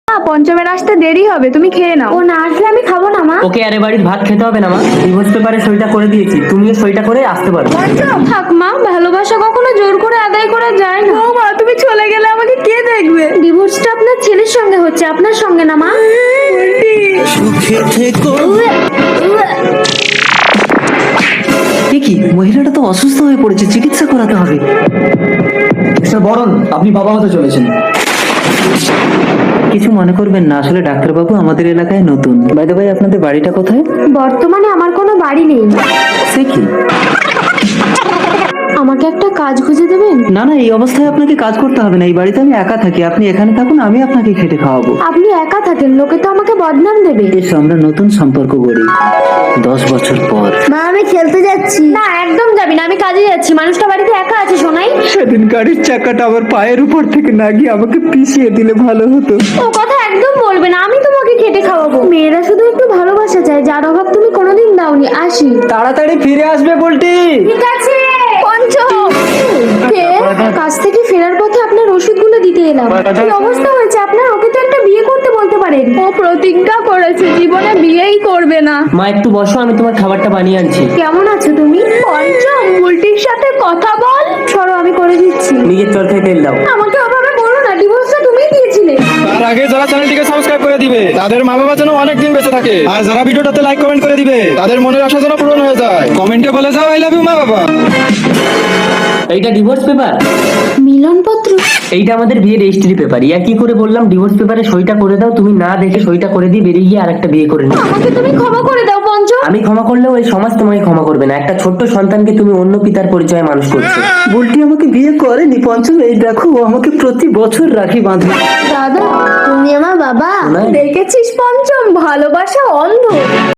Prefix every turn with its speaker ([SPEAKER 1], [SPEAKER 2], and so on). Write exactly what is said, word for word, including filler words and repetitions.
[SPEAKER 1] পঞ্চমের আসতে দেরি হবে, তুমি খেয়ে নাও।
[SPEAKER 2] ও না আসলে আমি খাবো না মা।
[SPEAKER 3] ওকে আরে বাড়ির ভাত খেতে হবে না মা, ডিভোর্স পেপারে সইটা করে দিয়েছি, তুমিও সইটা করে আসতে পারো।
[SPEAKER 2] থাক মা, ভালোবাসা কখনো জোর করে আদায় করা যায় না।
[SPEAKER 1] ও মা, তুমি চলে গেলে আমাকে কে দেখবে?
[SPEAKER 2] ডিভোর্সটা আপনার ছেলের সঙ্গে হচ্ছে, আপনার সঙ্গে না মা।
[SPEAKER 4] কি মহিলাটা তো অসুস্থ হয়ে পড়েছে, চিকিৎসা করাতে হবে।
[SPEAKER 5] মিস্টার বরণ, আপনি বাবা হতে চলেছেন।
[SPEAKER 4] কিছু মনে করবেন না, আসলে ডাক্তারবাবু আমাদের এলাকায় নতুন। বাই দ্য ওয়ে, আপনাদের বাড়িটা কোথায়?
[SPEAKER 2] বর্তমানে আমার কোনো বাড়ি নেই।
[SPEAKER 4] সে কি?
[SPEAKER 2] আমাকে একটা কাজ খুঁজে দেবেন?
[SPEAKER 4] না না, এই অবস্থায় আপনাকে কাজ করতে হবে না, এই বাড়িতে আমি একা থাকি, আপনি এখানে থাকুন, আমি আপনাকে খেটে খাওয়াবো।
[SPEAKER 2] আপনি একা থাকেন, লোকে তো আমাকে বদনাম দেবে।
[SPEAKER 4] এসো আমরা নতুন সম্পর্ক গড়ি দশ বছর পর।
[SPEAKER 2] মা আমি খেলতে যাচ্ছি। না একদম যাবি না, আমি কাজে যাচ্ছি। মানুষটা বাড়িতে একা আছে শোনাই।
[SPEAKER 4] সেদিন গাড়ির চাকাটা আমার পায়ের উপর থেকে না গিয়ে আমাকে পিছিয়ে দিলে ভালো হতো।
[SPEAKER 2] ও কথা একদম বলবে না, আমি তোমাকে খেটে খাওয়াবো। মেয়েরা শুধু একটু ভালোবাসা চায়, যার অভাব তুমি কোনোদিন দাওনি। আসি।
[SPEAKER 5] তাড়াতাড়ি ফিরে আসবে বলটি।
[SPEAKER 2] ঠিক আছে পঞ্চম। কে? কাজ থেকে ফেরার পথে আপনার ওষুধগুলো দিতে এলাম। কি অবস্থা হয়েছে আপনার? ওকে তো একটা বিয়ে করতে বলতে পারেন।
[SPEAKER 1] ও প্রতিজ্ঞা করেছে জীবনে বিয়েই করবে না।
[SPEAKER 3] মা একটু বসো, আমি তোমার খাবারটা বানিয়ে আনছি।
[SPEAKER 2] কেমন আছো তুমি?
[SPEAKER 1] পঞ্চম, বুলটির সাথে কথা বল।
[SPEAKER 2] সরো আমি করে দিচ্ছি।
[SPEAKER 3] নিজের চরকায় তেল দাও।
[SPEAKER 2] আমাকে ওভাবে বলো না, ডিভোর্সটা তুমিই দিয়েছিলে।
[SPEAKER 5] তার আগে যারা চ্যানেলটিকে সাবস্ক্রাইব করে দিবে তাদের মা বাবা যেন অনেক দিন বেঁচে থাকে, আর যারা ভিডিওটাতে লাইক কমেন্ট করে দিবে তাদের মনের আশা যেন পূরণ হয়ে যায়। কমেন্টে বলে যাও আই লাভ ইউ মা বাবা।
[SPEAKER 3] এইটা ডিভোর্স পেপার,
[SPEAKER 2] মিলনপত্র।
[SPEAKER 3] এইটা আমাদের বিয়ে রেজিস্ট্রি পেপার। ইয়া কি করে বললাম ডিভোর্স পেপারে সইটা করে দাও, তুমি না দেখে সইটা করে দিয়ে বেরিয়ে গিয়ে আরেকটা বিয়ে করে নাও।
[SPEAKER 2] আমাকে তুমি ক্ষমা করে দাও পঞ্চম।
[SPEAKER 3] আমি ক্ষমা করলেও এই সমাজ তোমাকে ক্ষমা করবে না। একটা ছোট্ট সন্তানকে তুমি অন্য পিতার পরিচয়ে মানুষ করছো।
[SPEAKER 4] বুলটি আমাকে বিয়ে করেনি পঞ্চম, এই দেখো ও আমাকে প্রতি বছর রাখি বাঁধে।
[SPEAKER 2] দাদা তুমি আমার বাবা।
[SPEAKER 3] না।
[SPEAKER 1] দেখেছিস পঞ্চম, ভালোবাসা অন্ধ।